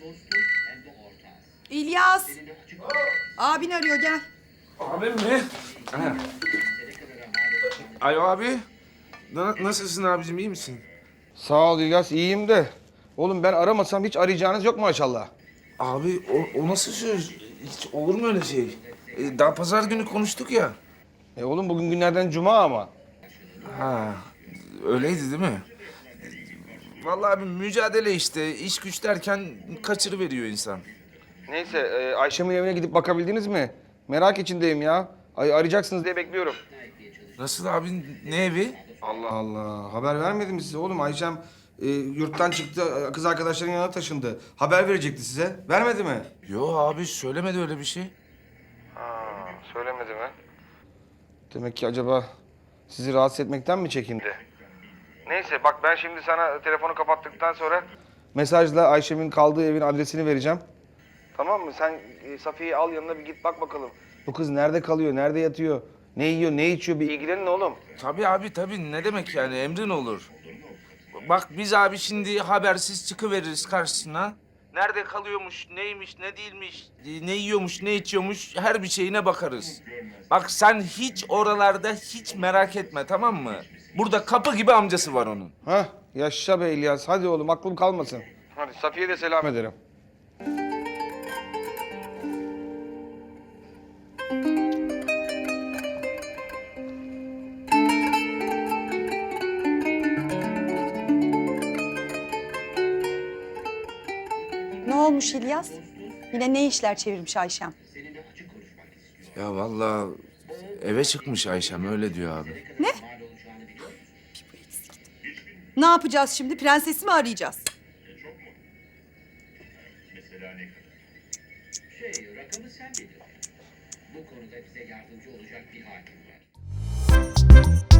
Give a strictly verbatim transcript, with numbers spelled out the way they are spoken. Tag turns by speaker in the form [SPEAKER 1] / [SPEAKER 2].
[SPEAKER 1] İlyas. Abin arıyor, gel.
[SPEAKER 2] Abim mi? Ha. Alo abi. Na- nasılsın abicim, iyi misin?
[SPEAKER 3] Sağ ol İlyas, iyiyim de. Oğlum ben aramasam hiç arayacağınız yok maşallah.
[SPEAKER 2] Abi o, o nasıl söz? Hiç olur mu öyle şey? Ee, daha pazar günü konuştuk ya.
[SPEAKER 3] E oğlum bugün günlerden cuma ama.
[SPEAKER 2] Ha, öyleydi değil mi? Vallahi abi mücadele işte. İş güç derken kaçırıveriyor insan.
[SPEAKER 3] Neyse e, Ayşem'in evine gidip bakabildiniz mi? Merak içindeyim ya. Ay, arayacaksınız diye bekliyorum.
[SPEAKER 2] Nasıl abi, ne evi?
[SPEAKER 3] Allah Allah. Haber vermedim mi size oğlum? Ayşem e, yurttan çıktı, e, kız arkadaşlarının yanına taşındı. Haber verecekti size. Vermedi mi?
[SPEAKER 2] Yo abi, söylemedi öyle bir şey.
[SPEAKER 3] Ha, söylemedi mi? Demek ki acaba sizi rahatsız etmekten mi çekindi? Neyse bak ben şimdi sana telefonu kapattıktan sonra mesajla Ayşem'in kaldığı evin adresini vereceğim. Tamam mı? Sen e, Safiye'yi al yanına bir git bak bakalım. Bu kız nerede kalıyor, nerede yatıyor, ne yiyor, ne içiyor bir ilgilenin oğlum.
[SPEAKER 2] Tabii abi tabii, ne demek yani, emrin olur. Bak biz abi şimdi habersiz çıkıveririz karşısına. Nerede kalıyormuş, neymiş, ne değilmiş, ne yiyormuş, ne içiyormuş, her bir şeyine bakarız. Bak sen hiç oralarda hiç merak etme, tamam mı? Burada kapı gibi amcası var onun.
[SPEAKER 3] Hah yaşa be İlyas. Hadi oğlum aklım kalmasın. Hadi Safiye'ye de selam ederim.
[SPEAKER 1] Ne olmuş İlyas? Yine ne işler çevirmiş Ayşem?
[SPEAKER 2] Ya vallahi eve çıkmış Ayşem, öyle diyor abi.
[SPEAKER 1] Ne? Ne yapacağız şimdi? Prensesi mi arayacağız?
[SPEAKER 4] Şey, rakamı sen belirle. Bu konuda bize yardımcı olacak bir hakim var.